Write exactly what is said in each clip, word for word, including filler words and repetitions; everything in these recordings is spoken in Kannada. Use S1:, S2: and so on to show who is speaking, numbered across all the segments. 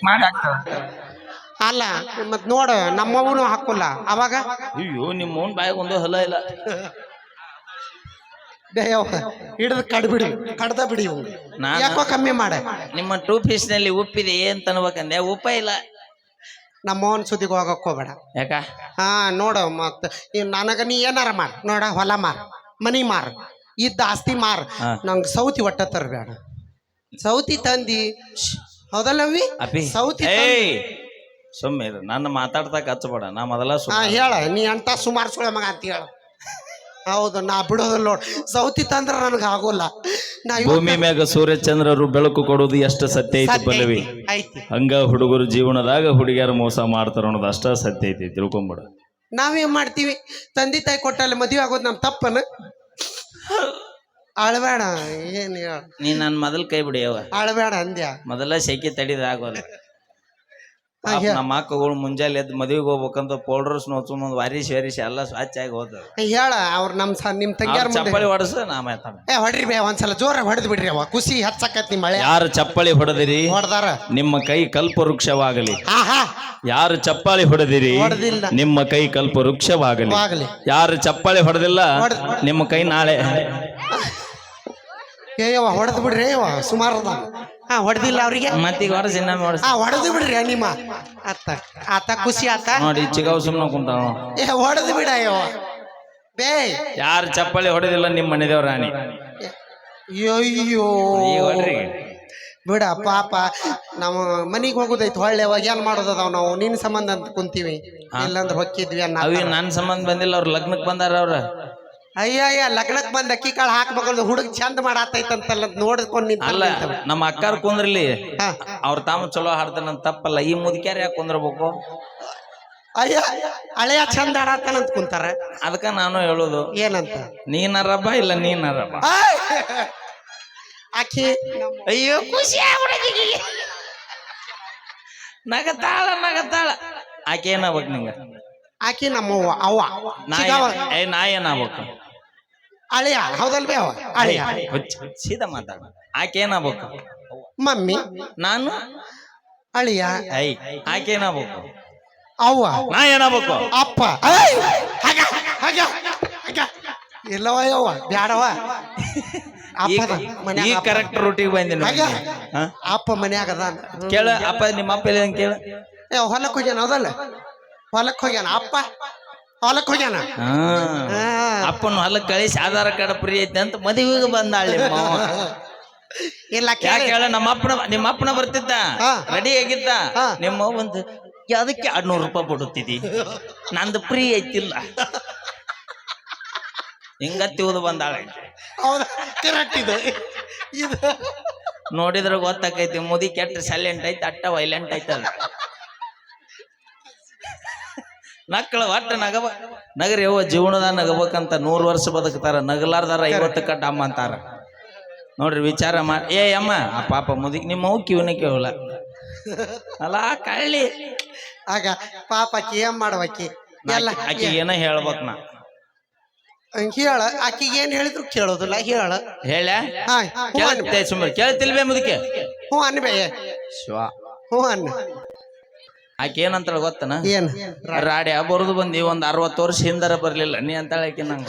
S1: ಮಾಡಿ ಹಾಕ್ತಾಳ.
S2: ಅಲ್ಲ ಮತ್ ನೋಡ ನಮ್ಮವನು ಹಾಕೋಲ್ಲ ಅವಾಗ
S1: ಅಯ್ಯೋ ನಿಮ್ಮ ಓನ್ ಬಾಯಿಗೆ ಒಂದು ಹಲ ಇಲ್ಲ.
S2: ಹಿಡಿದು ಕಡ್ಬಿಡಿ ಕಡ್ದ ಬಿಡಿ
S1: ನಾನು
S2: ಯಾಕೋ ಕಮ್ಮಿ ಮಾಡ.
S1: ನಿಮ್ಮ ಟೂ ಪೀಸ್ ನಲ್ಲಿ ಉಪ್ಪಿದೆ ಅಂತ ಅನ್ಬೇಕಂದೆ, ಉಪ್ಪ ಇಲ್ಲ.
S2: ನಮ್ಮವನ್ ಸುದ್ದಿಗೆ ಹೋಗಕ್ ಹೋಗ್ಬೇಡ.
S1: ಯಾಕ?
S2: ಹಾ ನೋಡ ಮತ್ ನನಗ ನೀ ಏನಾರ ಮಾರ್ ನೋಡ, ಹೊಲ ಮಾರ್, ಮನಿ ಮಾರ್, ಇದ್ದ ಆಸ್ತಿ ಮಾರ್, ನಂಗೆ ಸೌತಿ ಒಟ್ಟ ತರಬೇಡ. ಸೌತಿ ತಂದಿ ಹೌದಲ್ಲವಿ
S1: ಅಪಿ
S2: ಸೌತಿ
S1: ಸುಮ್ಮನೆ ನನ್ನ ಮಾತಾಡ್ತಾಕ ಹಚ್ಚಬೇಡ. ನಾ ಮೊದಲ
S2: ಹೇಳ ನೀ ಅಂತ ಸುಮಾರು ಸುಳ ಮಗ ಅಂತ ಹೇಳ. ಹೌದು ನಾ ಬಿಡೋದಿಲ್ಲ ನೋಡ್. ಸೌತಿ ತಂದ್ರ ನನಗೆ ಆಗೋಲ್ಲ. ನಾ
S1: ಭೂಮಿ ಮ್ಯಾಗ ಸೂರ್ಯಚಂದ್ರರು ಬೆಳಕು ಕೊಡೋದು ಎಷ್ಟು ಸತ್ಯ ಐತಿ ಪಲ್ಲವಿ. ಹಂಗ ಹುಡುಗರು ಜೀವನದಾಗ ಹುಡುಗಿಯರು ಮೋಸ ಮಾಡ್ತಾರ ಅನ್ನೋದು ಅಷ್ಟ ಸತ್ಯ ಐತಿ, ತಿಳ್ಕೊಂಬಿಡ.
S2: ನಾವೇನ್ ಮಾಡ್ತೀವಿ, ತಂದೆ ತಾಯಿ ಕೊಟ್ಟಲ್ಲಿ ಮದುವೆ ಆಗೋದು ನಮ್ ತಪ್ಪನ. ಅಳಬೇಡ ಏನ್ ಹೇಳ
S1: ನೀ ನನ್ ಮೊದಲ್ ಕೈ ಬಿಡಿಯವ.
S2: ಅಳಬೇಡ ಅಂದ್ಯ
S1: ಮೊದಲ ಸೆಕೆ ತಡಿದ ಆಗೋಲ್ಲ. ನಮ್ಮ ಅಕ್ಕಗಳು ಮುಂಜಾನೆ ಎದ್ದು ಮದುವೆಗೆ ಹೋಗ್ಬೇಕಂತ ಪೌಡರ್ಸ್ ನೋಡ್ಕೊಂಡ್ ವಾರಿಸಿ ವಾರಿಸಿ ಎಲ್ಲ ಸ್ವಚ್ಛ ಆಗಿ ಹೋದ.
S2: ಹೇಳ ಅವ್ರ ನಮ್ ನಿಮ್ ತಂಗಿಯಾರ
S1: ಚಪ್ಪಳಿ ಹೊಡಸ ನಾ ಮಾತಾಡ.
S2: ಏ ಹೊಡ್ರಿ ಬೇ ಒಂದ್ಸಲ ಜೋರ ಹೊಡೆದ್ ಬಿಡ್ರಿ ಅವ ಖುಷಿ ಹಚ್ಚಕತ್ತಿ ಮಳೆ.
S1: ಯಾರು ಚಪ್ಪಳಿ ಹೊಡೆದಿರಿ
S2: ಹೊಡೆದಾರ
S1: ನಿಮ್ಮ ಕೈ ಕಲ್ಪ ವೃಕ್ಷವಾಗಲಿ. ಯಾರು ಚಪ್ಪಾಳಿ ಹೊಡೆದಿರಿ ನಿಮ್ಮ ಕೈ ಕಲ್ಪ ವೃಕ್ಷವಾಗಲಿ. ಯಾರು ಚಪ್ಪಾಳಿ ಹೊಡೆದಿಲ್ಲ ನಿಮ್ಮ ಕೈ ನಾಳೆ.
S2: ಏಯವ ಹೊಡೆದ್ ಬಿಡ್ರಿ ಅವ ಸುಮಾರು ಹಾ ಹೊಡೆದಿಲ್ಲ ಅವ್ರಿಗೆ
S1: ಮತ್ತೀಗ ಹೊರಸಿ
S2: ಹಾ ಹೊಡೆದು ಬಿಡ್ರಿ ನಿಮ್ಮ ಆತ ಆತ ಖುಷಿ ಆತ
S1: ನೋಡಿ ಚಿಗಾವ್ ಸುಮ್ನ ಕುಂತಾವ.
S2: ಏ ಹೊಡೆದು ಬಿಡ ಅಯ್ಯವ ಬೇ.
S1: ಯಾರು ಚಪ್ಪಾಳಿ ಹೊಡೆದಿಲ್ಲ ನಿಮ್ಮ ಮನೆದೇವ್ರ ರಾಣಿ.
S2: ಅಯ್ಯೋ ಬಿಡ ಪಾಪ ನಾವು ಮನಿಗ್ ಹೋಗುದೈತಿ ಹೊಳ್ಳೆ ಅವಾಗ ಏನ್ ಮಾಡೋದದಾವ್ ನಾವು ನಿನ್ ಸಂಬಂಧ ಅಂತ ಕುಂತೀವಿ. ಇಲ್ಲಂದ್ರೆ ಹೊಕ್ಕಿದ್ವಿ ಅನ್ನ
S1: ಅವಿ ನನ್ ಸಂಬಂಧ ಬಂದಿಲ್ಲ, ಅವ್ರ ಲಗ್ನಕ್ ಬಂದಾರ. ಅವ್ರ
S2: ಅಯ್ಯ ಲಗ್ನಕ್ ಬಂದ ಅಕ್ಕಿ ಕಾಳು ಹಾಕ್ಬೇಕಂದ್ರೆ ಹುಡುಗ ಚಂದ ಮಾಡಾತೈತಂತಲ್ಲ ನೋಡ್ಕೊಂಡ್
S1: ಅಲ್ಲ ನಮ್ಮ ಅಕ್ಕಾರ ಕುಂದ್ರಲಿ ಅವ್ರ ತಾಮ ಚಲೋ ಹಾಡ್ತಾನ ತಪ್ಪಲ್ಲ. ಈ ಮುದುಕ್ಯಾರ ಯಾಕೆ ಕುಂದ್ರಬೇಕು?
S2: ಅಯ್ಯ ಹಳೆಯ ಚಂದ ಆಡಾತಾನಂತ ಕುಂತಾರ.
S1: ಅದಕ್ಕ ನಾನು ಹೇಳುದು
S2: ಏನಂತ,
S1: ನೀನರಬ್ಬ ಇಲ್ಲ ನೀನರಬ್ಬ.
S2: ಆಕಿ
S1: ಅಯ್ಯೋ ಖುಷಿ ಆಗ್ಬಿಡೋದಿಗೆ ನಗತಾಳ ನಗತಾಳ. ಆಕೆ ಏನಾಗ್ಬೇಕು ನಿಂಗ?
S2: ಆಕಿ ನಮ್ಮವ್ವ ಅವ್ವ
S1: ಏ ನಾ ಏನಾಗ್ಬೇಕು?
S2: ಅಳಿಯ ಹೌದಲ್ ಬೇ ಅವ ಅಳಿಯ.
S1: ಸೀದಾ ಮಾತಾಡ. ಆಕೆ ಏನಾಗ್ಬೇಕು?
S2: ಮಮ್ಮಿ.
S1: ನಾನು
S2: ಅಳಿಯ.
S1: ಐ ಆಕೆ ಏನಾಗ್ಬೇಕು?
S2: ಅವ್ವ.
S1: ನಾ ಏನಾಗ್ಬೇಕು?
S2: ಅಪ್ಪ. ಇಲ್ಲವ ಯವ್ವ ಬ್ಯಾಡವ.
S1: ಈ ಕರೆಕ್ಟ್ ರೂಟಿಗೆ ಬಂದಿನ
S2: ಅಪ್ಪ ಮನ್ಯಾಗ ಅದ
S1: ಕೇಳ. ಅಪ್ಪ ನಿಮ್ಮ ಅಪ್ಪ ಇಲ್ಲ ಕೇಳ.
S2: ಏ ಹೊಲಕ್ ಹೋಗ್ಯಾನ ಹೌದಲ್ಲ, ಹೊಲಕ್ ಹೋಗ್ಯಾನ ಅಪ್ಪ, ಹೊಲಕ್ ಹೋಗ್ಯಾನ.
S1: ಅಪ್ಪನ ಹೊಲಕ್ ಕಳಿಸಿ ಆಧಾರ ಕಾರ್ಡ್ ಫ್ರೀ ಐತೆ ಅಂತ ಮದುವೆಗೆ ಬಂದಾಳೆ.
S2: ಇಲ್ಲ
S1: ಕೇಳ. ನಮ್ಮ ಅಪ್ಪನ ನಿಮ್ಮ ಅಪ್ಪನ ಬರ್ತಿದ್ದ ರೆಡಿ ಆಗಿದ್ದ. ನಿಮ್ಮ ಒಂದು ಅದಕ್ಕೆ ಎರಡ್ನೂರು ರೂಪಾಯಿ ಕೊಡುತ್ತಿದ್ದಿ, ನಂದು ಫ್ರೀ ಐತಿಲ್ಲ. ಹಿಂಗತ್ತಿ ಓದು ಬಂದಾಳೆ.
S2: ಹೌದಾ ಕರೆಕ್ಟ್ ಇದು ಇದು
S1: ನೋಡಿದ್ರೆ ಗೊತ್ತಾಕೈತಿ ಮುದಿ ಕೆಟ್ಟ ಸೈಲೆಂಟ್ ಐತಿ, ಅಟ್ಟ ವೈಲೆಂಟ್ ಐತದ. ನಕ್ಕಳ ಒಟ್ಟ ನಗಬ ನಗರಿ ಯವ್ವ ಜೀವನದಾಗ ನಗಬೇಕಂತ ನೂರು ವರ್ಷ ಬದುಕ್ತಾರ, ನಗಲಾರ್ದಾರ ಐವತ್ತು ಕಟ್ಟ ಅಮ್ಮ ಅಂತಾರ. ನೋಡ್ರಿ ವಿಚಾರ ಮಾಡಿ. ಏ ಅಮ್ಮ ಆ ಪಾಪ ಮುದಿಕ್ ನಿಮ್ಮ ಅವ್ ಕಿವನ ಕೇಳಲ್ಲ ಅಲ್ಲ ಕಳ್ಳಿ.
S2: ಆಗ ಪಾಪ ಆಕಿ ಏನ್ ಮಾಡ್ಬೇಕಿ ಎಲ್ಲ
S1: ಆಕಿ ಏನ ಹೇಳ್ಬೇಕ್. ನಾ
S2: ಹೇಳ ಆಕಿಗೆ ಏನ್ ಹೇಳಿದ್ರು ಕೇಳೋದಿಲ್ಲ. ಹೇಳ
S1: ಹೇಳ ಸುಮ್ಮನೆ ಕೇಳ್ತಿಲ್ವೇ ಮುದಕ್ಕೆ?
S2: ಹ್ಞೂ ಅನ್ಬೇ
S1: ಶಿವ
S2: ಹ್ಞೂ ಅನ್ನ.
S1: ಆಕೆ ಏನಂತಾಳ ಗೊತ್ತನ?
S2: ಏನ್
S1: ರಾಡಿ ಬರೋದು ಬಂದಿ ಒಂದ್ ಅರವತ್ತು ವರ್ಷ ಹಿಂದರ ಬರ್ಲಿಲ್ಲ ನೀ ಅಂತಾಳ ಆಕೆ ನಂಗ.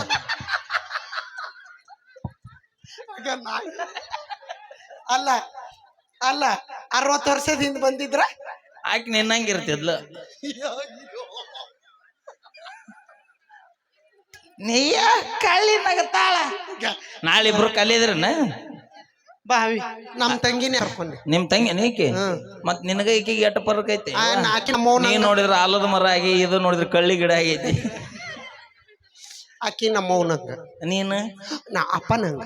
S2: ಅಲ್ಲ ಅಲ್ಲ ಅರವತ್ತು ವರ್ಷದ ಹಿಂದ್ ಬಂದಿದ್ರ
S1: ಆಕೆ ನಿನ್ನಂಗಿರ್ತಿದ್ಲ. ನೀಯ ಕಳ್ಳಿ ನಗತಾಳ. ನಾಳಿಬ್ರು ಕಲಿದ್ರನ
S2: ಬಾವಿ ನಮ್ ತಂಗಿನೇ ಹರ್ಕೊಂಡಿ.
S1: ನಿಮ್ ತಂಗಿ ನೀಕಿ ಮತ್ ನಿನಗ ಈಕಿಗೆ ಎಟ್ಟ ಪರಕ್ ಐತಿ? ನೀ ನೋಡಿದ್ರ ಆಲದ ಮರ ಆಗಿ, ಇದು ನೋಡಿದ್ರ ಕಳ್ಳಿ ಗಿಡ ಆಗೈತಿ.
S2: ಆಕಿ ನಮ್ಮವನಂಗ,
S1: ನೀನು
S2: ನಾ ಅಪ್ಪನಂಗ.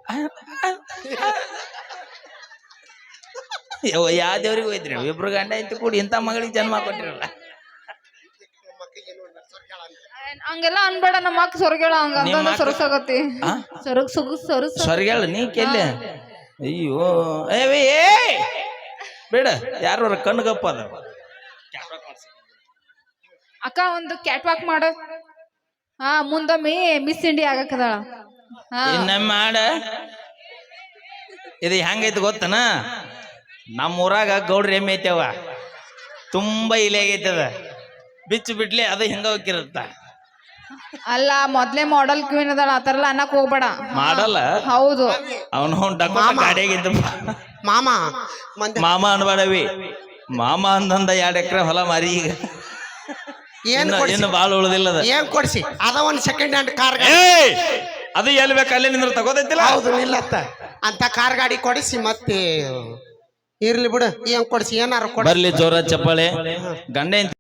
S1: ಯಾವ ದೇವ್ರಿಗೆ ಹೋಯ್ತ್ರಿ? ಇಬ್ರು ಗಂಡ ಐತಿ ಕೂಡಿ ಇಂಥ ಮಗಳಿಗೆ ಜನ್ಮ ಕೊಟ್ಟಿರಲ್ಲ.
S3: ಹಂಗೆಲ್ಲ ಅನ್ಬೇಡ. ನಮ್ಮ ಅಕ್ಕ ಸ್ವರ್ಗಳ ಹಂಗ ಸೊರಸಾಗತ್ತಿ ಸೊರಗ್ ಸುಗ ಸೊರಸ
S1: ಸ್ವರ್ಗಳ ನೀ ಕೆಲ್ಲೆ. ಅಯ್ಯೋ ಏ ಬೇಡ, ಯಾರ ಕಣ್ಗಪ್ಪ ಅದ.
S3: ಅಕ್ಕ ಒಂದು ಕ್ಯಾಟ್ ವಾಕ್ ಮಾಡ. ಹಾ ಮುಂದೊಮ್ಮೆ ಮಿಸ್ ಇಂಡಿಯಾ ಆಗಕ್ಕದಾಳ.
S1: ಇನ್ನೊಮ್ಮೆ ಮಾಡ. ಇದು ಹೆಂಗೈತಿ ಗೊತ್ತನ? ನಮ್ಮ ಊರಾಗ ಗೌಡ್ರ ಎಮ್ಮೆ ಐತೆವ, ತುಂಬಾ ಇಲೆ ಆಗೈತೆ ಅದ ಬಿಚ್ಚು ಬಿಡ್ಲಿ ಅದು ಹಿಂಗ ಹೋಗಿರತ್ತ
S3: ಅಲ್ಲ ಮೊದ್ಲೇ ಮಾಡೆಲ್ ಕ್ವೀನ್ ಅದಾಳ ಆತರ ಎಲ್ಲ ಅನ್ನಕ್ ಹೋಗ್ಬೇಡ
S1: ಮಾಡಲ್ಲ
S3: ಹೌದು
S1: ಅವನು ಡಕೋಟ ಗಾಡಿಯಾಗಿದ್ದ
S2: ಮಾಮ ಮಂದಿ
S1: ಮಾಮ ಅನ್ಬೇಡವಿ ಮಾಮ ಅಂದಂದ ಎರಡ್ ಎಕರೆ ಹೊಲ ಮಾರಿ ಈಗ
S2: ಏನ್
S1: ಇನ್ನು
S2: ಕೊಡ್ಸಿ
S1: ಇನ್ನು ಬಾಳ ಉಳ್ದಿಲ್ಲದ
S2: ಏನ್ ಕೊಡ್ಸಿ ಅದ ಒಂದ್ ಸೆಕೆಂಡ್ ಹ್ಯಾಂಡ್ ಕಾರ್
S1: ಏಯ್ ಅದು ಎಲ್ಲಿ ಬೇಕು ಅಲ್ಲೇ ನಿಂದ್ರ ತಗೋದೈತಿಲ್ಲ
S2: ಹೌದು ನಿಲ್ಲತ್ತ ಅಂತ ಕಾರ್ ಗಾಡಿ ಕೊಡಿಸಿ ಮತ್ತೆ ಇರ್ಲಿ ಬಿಡು ಏನ್ ಕೊಡ್ಸಿ ಏನಾರ ಕೊಡ
S1: ಬರ್ಲಿ ಜೋರ ಚಪ್ಪಾಳೆ ಗಂಡ